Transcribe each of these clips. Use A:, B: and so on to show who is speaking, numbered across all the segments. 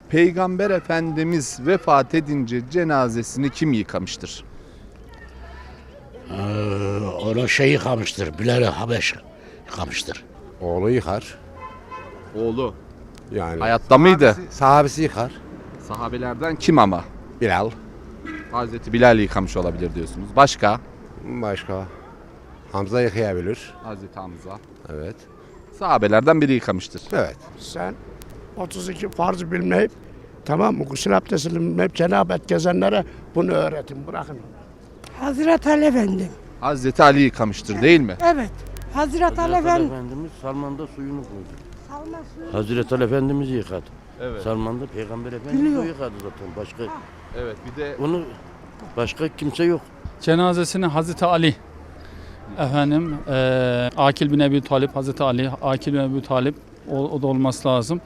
A: Peygamber Efendimiz vefat edince cenazesini kim yıkamıştır?
B: Onu şey yıkamıştır, Bilal Habeş yıkamıştır.
C: Oğlu yıkar.
A: Oğlu.
C: Yani
A: Hayatta mıydı?
C: sahabesi yıkar.
A: Sahabelerden kim ama?
C: Bilal.
A: Hazreti Bilal yıkamış olabilir diyorsunuz. Başka?
C: Başka. Hamza yıkayabilir.
A: Hazreti Hamza.
C: Evet.
A: Sahabelerden biri yıkamıştır.
C: Evet.
D: Sen 32 farz bilmeyip, tamam mı? Gusül abdesti bilmeyip cenabet gezenlere bunu öğretin, bırakın.
E: Hazreti Ali Efendim.
A: Hazreti Ali yıkamıştır değil mi?
E: Evet. Hazreti Ali Efendim.
F: Efendimiz Salman'da suyunu koydu.
E: Salma suyu.
F: Hazreti Ali Efendimiz yıkadı.
A: Evet.
F: Salman'da Peygamber Efendimiz
E: Biliyor.
F: o yıkadı zaten. Başka
A: Evet, bir de
F: onu başka kimse yok.
G: Cenazesini Hazreti Ali Akil bin Ebi Talip, Hazreti Ali, Akil bin Ebi Talip o da olması lazım.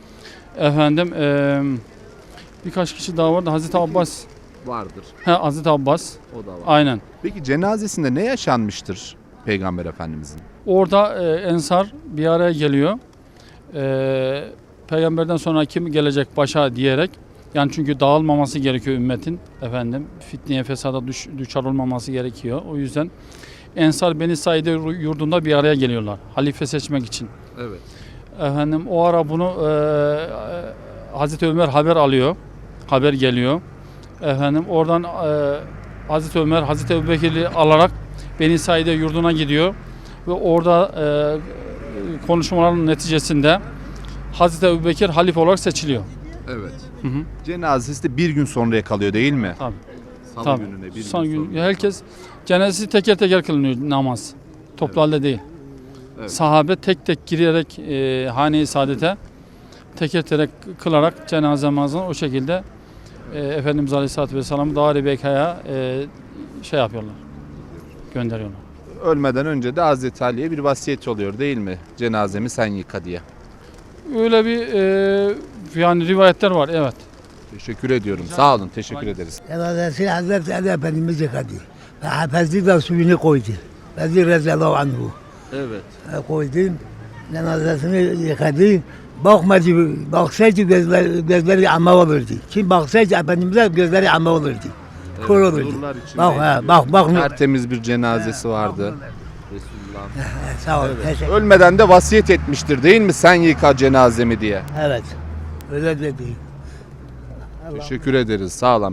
G: Birkaç kişi daha vardı. Hazreti Abbas.
A: vardır.
G: Hazreti Abbas.
A: O da var.
G: Aynen.
A: Peki cenazesinde ne yaşanmıştır Peygamber Efendimizin?
G: Orada Ensar bir araya geliyor. Peygamberden sonra kim gelecek başa diyerek. Yani çünkü dağılmaması gerekiyor ümmetin. Fitneye, fesada düşer olmaması gerekiyor. O yüzden Ensar Beni Saide yurdunda bir araya geliyorlar. Halife seçmek için.
A: Evet.
G: O ara bunu Hazreti Ömer haber alıyor. Haber geliyor. Oradan Hazreti Ömer Hazreti Ebubekir'i alarak Beni Saide yurduna gidiyor ve orada konuşmaların neticesinde Hazreti Ebubekir halife olarak seçiliyor.
A: Evet.
G: Hı hı.
A: Cenazesi de bir gün sonraya kalıyor değil mi?
G: Tabii.
A: Salı
G: Tabii.
A: gününe bir
G: Son
A: gün
G: gün
A: sonra.
G: herkes cenazesi teker teker kılınıyor namaz. Toplu halde değil.
A: Evet.
G: Sahabe tek tek girerek hane-i saadete teker teker kılarak cenaze namazını o şekilde Efendimiz Aleyhisselatü Vesselam'ı Dar-ı Beka'ya şey yapıyorlar. Gönderiyorlar.
A: Ölmeden önce de Hazreti Ali'ye bir vasiyet oluyor değil mi? Cenazemi sen yıka diye.
G: Öyle bir yani rivayetler var, evet.
A: Teşekkür ediyorum. Sağ olun. Teşekkür ederiz.
H: Cenazesi Hazreti Ali Efendimiz yıkadı. Ve hafezli de suyunu koydu. Vezir Rezallahu anhu.
A: Evet.
H: Koydu. Cenazesini yıkadı. Baksaydı gözleri ama olurdu. Kim baksaydı Efendimiz'e gözleri ama olurdu. Kör olurdu.
A: nurlar içindeydi.
H: Bak.
A: Tertemiz bir cenazesi vardı.
H: Sağ ol. Teşekkür.
A: Ölmeden de vasiyet etmiştir değil mi? Sen yıka cenazemi diye.
H: Evet. Öyle dedi.
A: Teşekkür ederiz. Sağ olun.